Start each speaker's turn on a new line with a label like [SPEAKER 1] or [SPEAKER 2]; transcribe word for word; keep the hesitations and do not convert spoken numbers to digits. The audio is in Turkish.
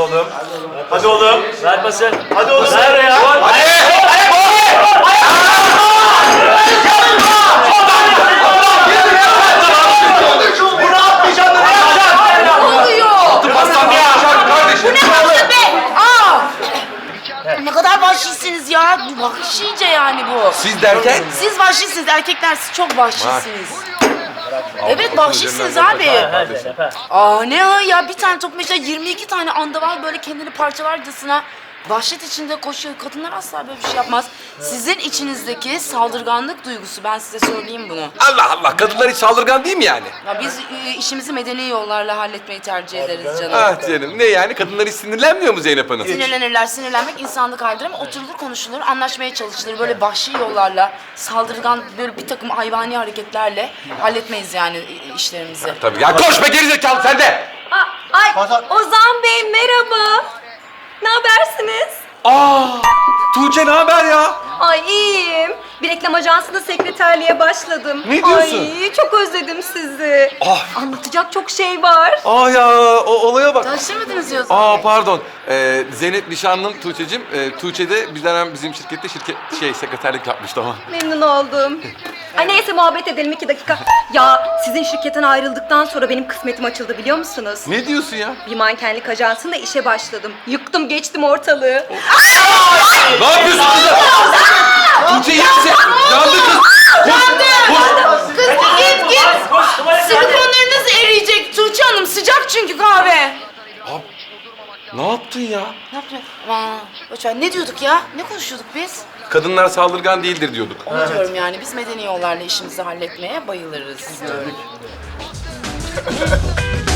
[SPEAKER 1] oğlum. Hadi oğlum.
[SPEAKER 2] Ver pası.
[SPEAKER 1] Hadi oğlum.
[SPEAKER 2] Ver ya.
[SPEAKER 1] Hadi. Bunu atmayacaksın da ne yapacaksın?
[SPEAKER 3] Ne oluyor?
[SPEAKER 1] Basam ya. Kardeşim.
[SPEAKER 3] Bu ne vahşet be? Aa! Ne kadar vahşisiniz ya. Bu vahşice yani bu.
[SPEAKER 4] Siz derken?
[SPEAKER 3] Siz vahşisiniz, erkekler siz çok vahşisiniz. Evet vahşisiniz abi.
[SPEAKER 2] Hadi.
[SPEAKER 3] Aa ne ha ya, bir tane top meşe yirmi iki tane andaval böyle kendini parçalarcasına vahşet içinde koşuyor. Kadınlar asla böyle bir şey yapmaz. Sizin içinizdeki saldırganlık duygusu, ben size söyleyeyim bunu.
[SPEAKER 4] Allah Allah, kadınlar hiç saldırgan değil mi yani?
[SPEAKER 3] Ya biz e, işimizi medeni yollarla halletmeyi tercih ederiz canım.
[SPEAKER 4] Ah canım, ne yani? Kadınlar hiç sinirlenmiyor mu Zeynep Hanım?
[SPEAKER 3] Sinirlenirler, sinirlenmek insanlık halidir ama oturulur konuşulur, anlaşmaya çalışılır. Böyle vahşi yollarla, saldırgan böyle bir takım hayvani hareketlerle halletmeyiz yani i- işlerimizi.
[SPEAKER 4] Tabii ya, koş be gerizekalı sen de!
[SPEAKER 5] Aa, ay Ozan Bey merhaba. Ne habersiniz?
[SPEAKER 4] Aa, Tuğçe ne haber ya?
[SPEAKER 5] Ay iyiyim. Bir reklam ajansında sekreterliğe başladım.
[SPEAKER 4] Ne diyorsun?
[SPEAKER 5] Ay çok özledim sizi.
[SPEAKER 4] Ah.
[SPEAKER 5] Anlatacak çok şey var.
[SPEAKER 4] Aa ya, o olaya bak.
[SPEAKER 3] Tanıştırmadınız diyorsun.
[SPEAKER 4] Aa pardon, ee, Zeynep nişanlım Tuğçe'cim. Ee, Tuğçe de bizden hem bizim şirkette şirket şey sekreterlik yapmıştı ama.
[SPEAKER 5] Memnun oldum. Ay neyse muhabbet edelim iki dakika. Ya sizin şirketten ayrıldıktan sonra benim kısmetim açıldı biliyor musunuz?
[SPEAKER 4] Ne diyorsun ya?
[SPEAKER 5] Bir mankenlik ajansında işe başladım. Yıktım geçtim ortalığı.
[SPEAKER 4] Ne yapıyorsun kızım? Tuğçe iyi misin? Yandı kız. Koş, koş.
[SPEAKER 3] Kız git git.
[SPEAKER 2] Koş tuvalete.
[SPEAKER 3] Silikonlarınız eriyecek Tuğçe Hanım, sıcak çünkü kahve.
[SPEAKER 4] Abi, ne yaptın ya?
[SPEAKER 3] Ne yapacağız? Aman boş ver. Ne diyorduk ya? Ne konuşuyorduk biz?
[SPEAKER 4] Kadınlar saldırgan değildir diyorduk.
[SPEAKER 3] Onu diyorum yani, biz medeni yollarla işimizi halletmeye bayılırız diyorum.